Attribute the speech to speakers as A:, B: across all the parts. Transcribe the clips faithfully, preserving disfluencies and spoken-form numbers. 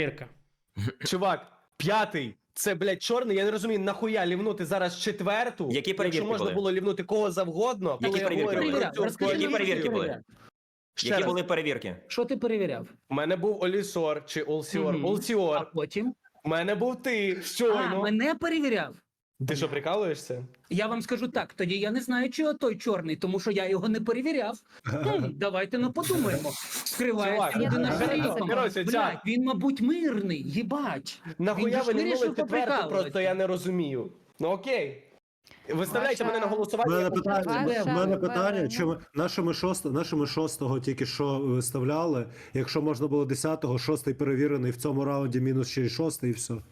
A: Перевірка.
B: Чувак, п'ятий. Це, блядь, чорний. Я не розумію, нахуя лівнути зараз четверту,
C: Які перевірки
B: якщо можна
C: були?
B: було лівнути кого завгодно,
C: Які
B: коли я
C: перевірки
B: говорю
C: були?
B: про цю
A: Розкажи
C: Які
A: нам,
B: коаліцію.
C: перевірки
A: що ти
C: були?
A: перевіряв?
B: Ще
C: Які
B: раз.
C: були перевірки?
A: Що ти перевіряв?
B: У мене був Олісор чи Олсіор.
A: Мгм. А
B: Олсіор.
A: потім?
B: У мене був ти.
A: А,
B: Щойно.
A: мене перевіряв?
B: Ти що, прикалуєшся?
A: Я вам скажу так, тоді я не знаю, чи той чорний, тому що я його не перевіряв. Хм, давайте ну подумаємо. Скривається
B: Чувак,
A: людина
B: коротше,
A: шерифом.
B: коротше,
A: Блядь,
B: Чак.
A: він, мабуть, мирний, їбать.
B: Нахуя
A: Він же
B: ви
A: ж
B: не
A: вирішив
B: нули четверту,
A: поприкалуватися.
B: просто я не розумію. Ну окей. Виставляйте
D: Ваша-
B: мене на
E: У
B: голосування.
E: мене
B: я
E: питання,
D: Ваша
E: у мене питання,
D: хвилина.
E: чому нашими шостого, нашими шостого тільки що виставляли, якщо можна було десятого, шостий перевірений в цьому раунді, мінус ще й шостий, і все.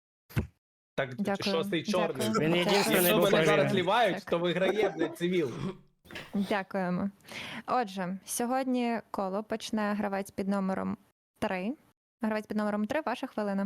B: Так,
D: Дякую.
B: шостий чорний.
D: Дякую.
A: Він єдиний
B: Якщо
A: був
B: мене зараз
A: перевірений.
B: лівають,
D: Так.
B: то виграє, блядь, цивіл.
D: Дякуємо. Отже, сьогодні коло почне гравець під номером три. Гравець під номером три, ваша хвилина.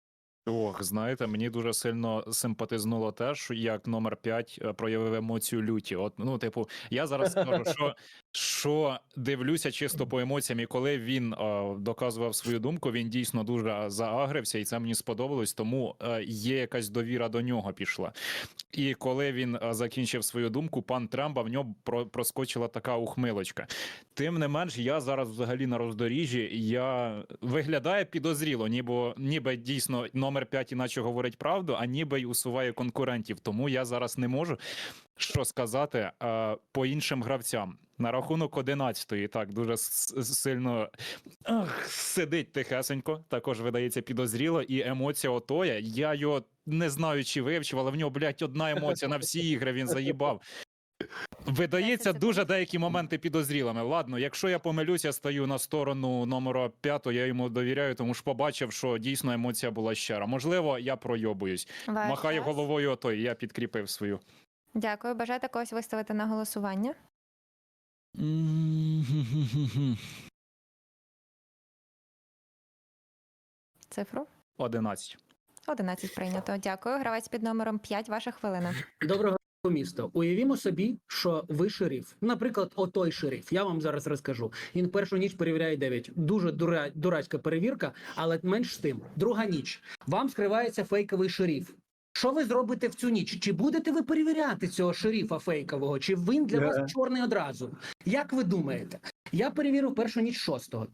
F: Ох, знаєте, мені дуже сильно симпатизнуло те, що як номер п'ять е, проявив емоцію люті. От, ну, типу, я зараз скажу, що, що дивлюся чисто по емоціям, і коли він е, доказував свою думку, він дійсно дуже заагрився, і це мені сподобалось, тому е, є якась довіра до нього пішла. І коли він е, закінчив свою думку, пан Трамба, в нього про, проскочила така ухмилочка. Тим не менш, я зараз взагалі на роздоріжжі, я виглядає підозріло, ніби, ніби дійсно номер п'ять іначе говорить правду, а ніби й усуває конкурентів. Тому я зараз не можу що сказати е, по іншим гравцям. На рахунок одинадцятої, так, дуже с- сильно ах, сидить тихесенько, також видається підозріло, і емоція отоя, я його не знаю, чи вивчив, але в нього, блядь, одна емоція на всі ігри, він заїбав. Видається дуже деякі моменти підозрілими. Ладно, якщо я помилюсь, я стаю на сторону номера п'ятого, я йому довіряю, тому що побачив, що дійсно емоція була щира. Можливо, я пройобуюсь.
D: Ваш
F: Махаю
D: час.
F: головою отой, я підкріпив свою.
D: Дякую. Бажаєте когось виставити на голосування? Цифру?
F: одинадцять.
D: одинадцять прийнято. Дякую. Гравець під номером п'ять, ваша хвилина.
A: Доброго міста. Уявімо собі, що ви шериф. Наприклад, отой шериф. Я вам зараз розкажу. Він першу ніч перевіряє дев'ять. Дуже дура... дурацька перевірка, але менш з тим. Друга ніч. Вам скривається фейковий шериф. Що ви зробите в цю ніч? Чи будете ви перевіряти цього шерифа фейкового? Чи він для
E: Е.
A: вас чорний одразу? Як ви думаєте? Я перевірив першу ніч шостого.